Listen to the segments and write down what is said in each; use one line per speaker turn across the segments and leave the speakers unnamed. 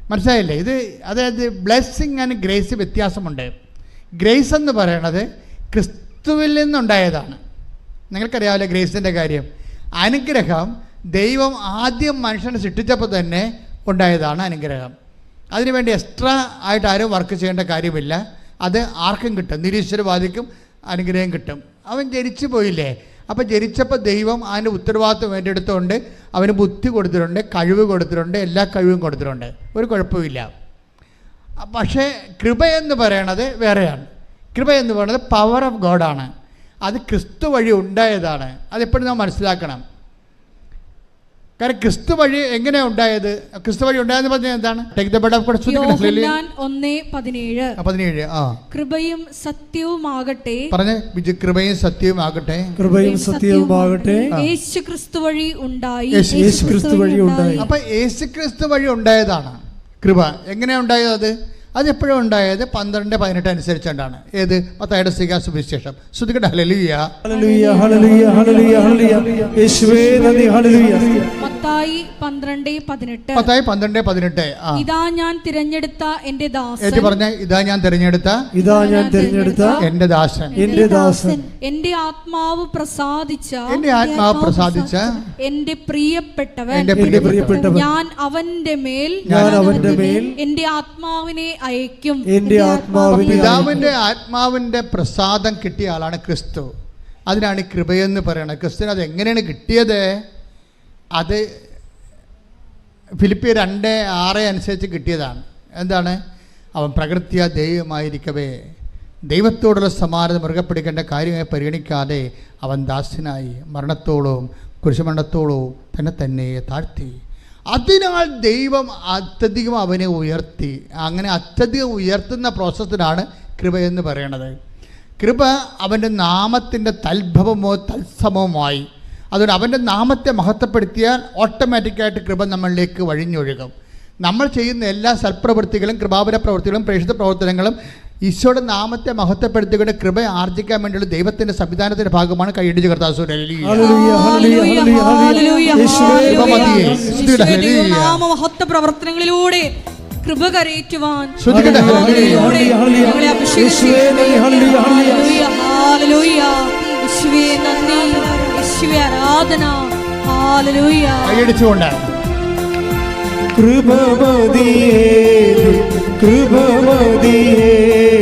മനസ്സിലായില്ലേ? ഇത് അതായത് ബ്ലെസ്സിങ് ആൻഡ് ഗ്രേസ് വ്യത്യാസമുണ്ട്. ഗ്രേസ് എന്ന് പറയണത് ക്രിസ്തുവിൽ നിന്നുണ്ടായതാണ്. നിങ്ങൾക്കറിയാമല്ലോ ഗ്രേസിൻ്റെ കാര്യം. അനുഗ്രഹം ദൈവം ആദ്യം മനുഷ്യനെ സൃഷ്ടിച്ചപ്പോൾ തന്നെ ഉണ്ടായതാണ് അനുഗ്രഹം. അതിനുവേണ്ടി എക്സ്ട്രാ ആയിട്ട് ആരും വർക്ക് ചെയ്യേണ്ട കാര്യമില്ല. അത് ആർക്കും കിട്ടും. നിരീശ്വരവാദിക്കും അനുഗ്രഹം കിട്ടും. അവൻ ജനിച്ചു പോയില്ലേ, അപ്പോൾ ജനിച്ചപ്പോൾ ദൈവം അതിൻ്റെ ഉത്തരവാദിത്വം ഏറ്റെടുത്തുകൊണ്ട് അവന് ബുദ്ധി കൊടുത്തിട്ടുണ്ട്, കഴിവ് കൊടുത്തിട്ടുണ്ട്, എല്ലാ കഴിവും കൊടുത്തിട്ടുണ്ട്. ഒരു കുഴപ്പമില്ല. പക്ഷേ കൃപ എന്ന് പറയണത് വേറെയാണ്. കൃപ എന്ന് പറയുന്നത് പവർ ഓഫ് ഗോഡാണ്. അത് ക്രിസ്തു വഴി ഉണ്ടായതാണ്. അതെപ്പോഴും നാം മനസ്സിലാക്കണം. കാരണം ക്രിസ്തു വഴി എങ്ങനെയാണ് ഉണ്ടായത്? ക്രിസ്തു വഴി ഉണ്ടായെന്ന് പറഞ്ഞാൽ എന്താണ്?
കൃപയും സത്യവുമാകട്ടെ
പറഞ്ഞേ, കൃപയും സത്യവുമാകട്ടെ.
കൃപയും സത്യവുമാകട്ടെ
യേശു ക്രിസ്തു വഴി ഉണ്ടായി.
അപ്പൊ യേശു ക്രിസ്തു വഴി ഉണ്ടായതാണ് കൃപ. എങ്ങനെയാ ഉണ്ടായത്? അതെപ്പോഴും ഉണ്ടായത് 12:18 അനുസരിച്ചുകൊണ്ടാണ്. ഏത്? മത്തായിയുടെ സുവിശേഷം. ശ്രുതികട്ടെ. ഹല്ലേലൂയ,
ഹല്ലേലൂയ, ഹല്ലേലൂയ, ഹല്ലേലൂയ, ഹല്ലേലൂയ. യേശുവേ നന്ദി. ഹല്ലേലൂയ.
മത്തായി 12:18.
മത്തായി 12:18.
ഇതാ ഞാൻ തിരഞ്ഞെടുത്ത എൻ്റെ ദാസൻ.
ഏറ്റു പറഞ്ഞ, ഇതാ ഞാൻ തിരഞ്ഞെടുത്ത എൻ്റെ ദാസൻ.
എൻ്റെ ദാസൻ.
എൻ്റെ ആത്മാവ് പ്രസാദിച്ച എൻ്റെ പ്രിയപ്പെട്ടവൻ. ഞാൻ അവന്റെ മേൽ എൻ്റെ ആത്മാവിനെ അയക്കും.
പിതാവിന്റെ ആത്മാവിന്റെ പ്രസാദം കിട്ടിയ ആളാണ് ക്രിസ്തു. അതിനാണ് കൃപയെന്ന് പറയുന്നത്. ക്രിസ്തുവിന് അത് എങ്ങനെയാണ് കിട്ടിയത്? അത് ഫിലിപ്പിയർ 2:6 അനുസരിച്ച് കിട്ടിയതാണ്. എന്താണ്? അവൻ പ്രകൃത്യ ദൈവമായിരിക്കവേ ദൈവത്തോടുള്ള സമാനത മുറുകെ പിടിക്കേണ്ട കാര്യമായി പരിഗണിക്കാതെ അവൻ ദാസനായി മരണത്തോളവും കുരിശുമരണത്തോളവും തന്നെ താഴ്ത്തി. അതിനാൽ ദൈവം അത്യധികം അവനെ ഉയർത്തി. അങ്ങനെ അത്യധികം ഉയർത്തുന്ന പ്രോസസ്സിനാണ് കൃപയെന്ന് പറയണത്. കൃപ അവൻ്റെ നാമത്തിൻ്റെ തൽഭവമോ തത്സമവുമായി. അതുകൊണ്ട് അവൻ്റെ നാമത്തെ മഹത്വപ്പെടുത്തിയാൽ ഓട്ടോമാറ്റിക്കായിട്ട് കൃപ നമ്മളിലേക്ക് വഴിഞ്ഞൊഴുകും. നമ്മൾ ചെയ്യുന്ന എല്ലാ സൽപ്രവൃത്തികളും, കൃപാപര പ്രവൃത്തികളും, പ്രേക്ഷിത പ്രവർത്തനങ്ങളും ഈശോയുടെ നാമത്തെ മഹത്വപ്പെടുത്തിക്കൊണ്ട് കൃപ ആർജിക്കാൻ വേണ്ടിയുള്ള ദൈവത്തിന്റെ സംവിധാനത്തിന്റെ ഭാഗമാണ്. കൈയടിച്ച് കർത്താവ്
പ്രവർത്തനങ്ങളിലൂടെ കൃപ കരയേറ്റുവാൻ ആരാധന.
കൈയടിച്ചുകൊണ്ടാണ്
കൃപമതിയേ കൃപമതിയേ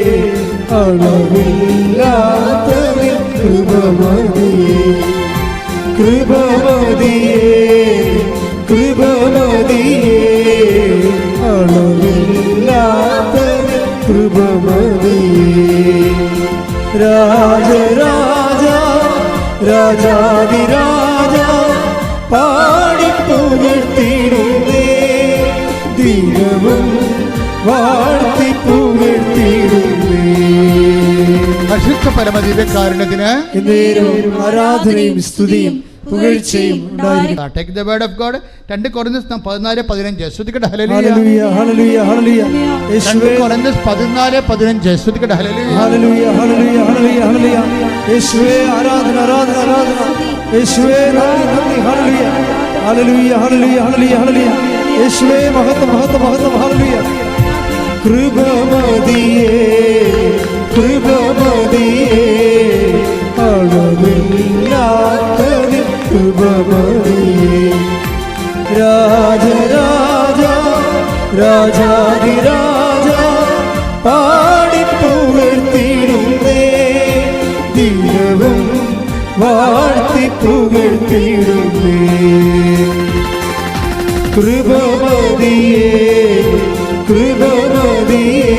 അളവില്ലാത്തതിൽ കൃപമതിയേ കൃപമതിയേ കൃപമതിയേ അളവില്ലാത്തതിൽ കൃപമതിയേ. രാജരാജ രാജാതിരാജ പാടിപ്പുകഴ്ത്തിടുന്നേ ദിനവും വാഴ്ത്തിപ്പുകഴ്ത്തിടുന്നേ.
പരിശുദ്ധ പരമദിവ്യകാരുണ്യത്തിന്
ആരാധനയും സ്തുതിയും പുകഴ്ചയും ഉണ്ടായിരിക്കട്ടെ.
Take the word of God. 2 Corinthians 14:15 ശ്രുതിക്കട്ടെ.
ഹല്ലേലൂയ, ഹല്ലേലൂയ, ഹല്ലേലൂയ.
2 കൊരിന്ത്യസ് 14:15 ശ്രുതിക്കട്ടെ. ഹല്ലേലൂയ,
ഹല്ലേലൂയ, ഹല്ലേലൂയ, ഹല്ലേലൂയ, ഹല്ലേലൂയ. യേശുവേ ആരാധന, ആരാധന, ആരാധന. യേശുവേ നന്ദി, നന്ദി. ഹല്ലേലൂയ, ഹല്ലേലൂയ, ഹല്ലേലൂയ, ഹല്ലേലൂയ, ഹല്ലേലൂയ. യേശുവേ മഹത്വം, മഹത്വം, മഹത്വം. ഹല്ലേലൂയ. കൃപമതിയേ കൃപമതിയേ അളവില്ലാത്തതിൽ കൃപമതിയേ. രാജരാജ രാജാതിരാജ പാടിപ്പുകഴ്ത്തിടുന്നേ ദിനവും വാഴ്ത്തിപ്പുകഴ്ത്തിടുന്നേ. കൃപമതിയേ കൃപമതിയേ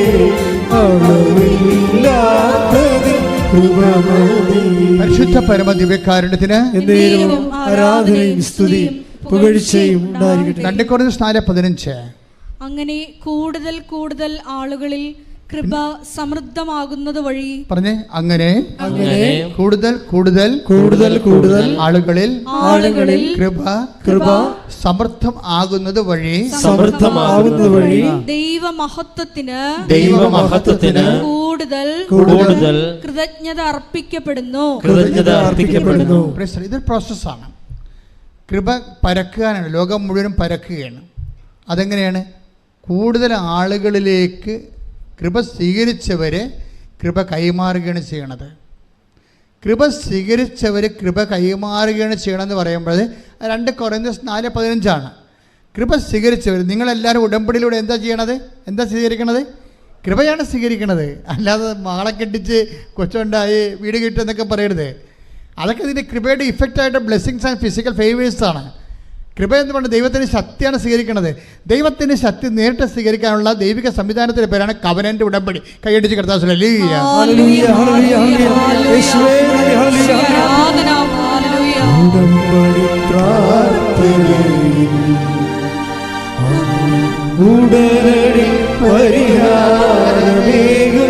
അളവില്ലാത്തതിൽ കൃപമതിയേ.
പരിശുദ്ധ പരമദിവ്യകാരുണ്യത്തിന്
ആരാധനയും സ്തുതിയും പുകഴ്ചയും ഉണ്ടായിരിക്കട്ടെ.
2 കൊരിന്ത്യസ് 4:15.
അങ്ങനെ കൂടുതൽ കൂടുതൽ ആളുകളിൽ കൃപ സമൃദ്ധമാകുന്നത് വഴി
പറഞ്ഞേ, അങ്ങനെ കൂടുതൽ കൂടുതൽ ആളുകളിൽ കൃപ സമൃദ്ധം ആകുന്നത് വഴി
ദൈവമഹത്വത്തിന് കൂടുതൽ കൃതജ്ഞത അർപ്പിക്കപ്പെടുന്നു.
ഇതൊരു പ്രോസസ്സാണ്. കൃപ പരക്കുകയാണ്. ലോകം മുഴുവനും പരക്കുകയാണ്. അതെങ്ങനെയാണ്? കൂടുതൽ ആളുകളിലേക്ക് കൃപ സ്വീകരിച്ചവരെ കൃപ കൈമാറുകയാണ് ചെയ്യണത്. കൃപ സ്വീകരിച്ചവർ കൃപ കൈമാറുകയാണ് ചെയ്യണമെന്ന് പറയുമ്പോൾ 2 കൊരിന്ത്യർ 4:15 കൃപ സ്വീകരിച്ചവർ. നിങ്ങളെല്ലാവരും ഉടമ്പടിയിലൂടെ എന്താ ചെയ്യണത്? എന്താ സ്വീകരിക്കണത്? കൃപയാണ് സ്വീകരിക്കണത്. അല്ലാതെ മാളെ കെട്ടിച്ച് കൊച്ചുണ്ടായി വീട് കിട്ടുമെന്നൊക്കെ പറയരുത്. അതൊക്കെ ഇതിൻ്റെ കൃപയുടെ ഇഫക്റ്റായിട്ട് ബ്ലെസ്സിങ്സ് ആൻഡ് ഫിസിക്കൽ ഫേവേഴ്സാണ്. കൃപ എന്ന് പറഞ്ഞാൽ ദൈവത്തിൻ്റെ ശക്തിയാണ് സ്വീകരിക്കുന്നത്. ദൈവത്തിൻ്റെ ശക്തി നേരിട്ട് സ്വീകരിക്കാനുള്ള ദൈവിക സംവിധാനത്തിൻ്റെ പേരാണ് കവനൻ്റ് ഉടമ്പടി. കൈയടിച്ച് കർത്താവ് ഹല്ലേലൂയ.
ഉടമ്പടി പ്രാർത്ഥനയിൽ ഉടനടി പരിഹാരമേകും.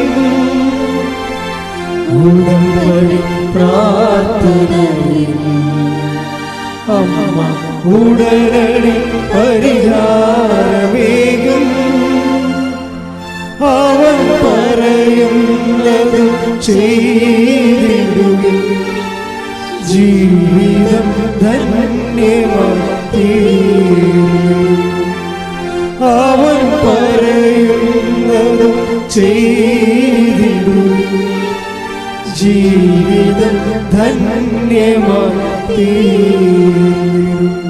ഉടമ്പടി പ്രാർത്ഥനയിൽ അമ്മ ഉടനടി പരിഹാരമേകും. അവൻ പറയുന്നത് ചെയ്തിടുവിൻ, ജീവിതം ധന്യമായിത്തീരും. അവൻ പറയുന്നത് ചെയ്തിടുവിൻ, ജീവിതം ധന്യമായിത്തീരും.